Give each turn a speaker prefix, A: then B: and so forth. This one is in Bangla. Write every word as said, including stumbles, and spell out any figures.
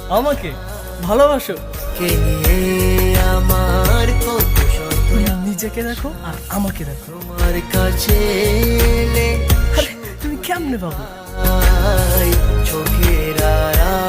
A: আমাকে ভালোবাসো?
B: কে নিয়ে আমার কত শত
A: নিজেকে দেখো আর আমাকে দেখো।
B: তোমার কাছে এলে
A: আরে তুমি কেমনে পাবো?
B: চোখের আড়াল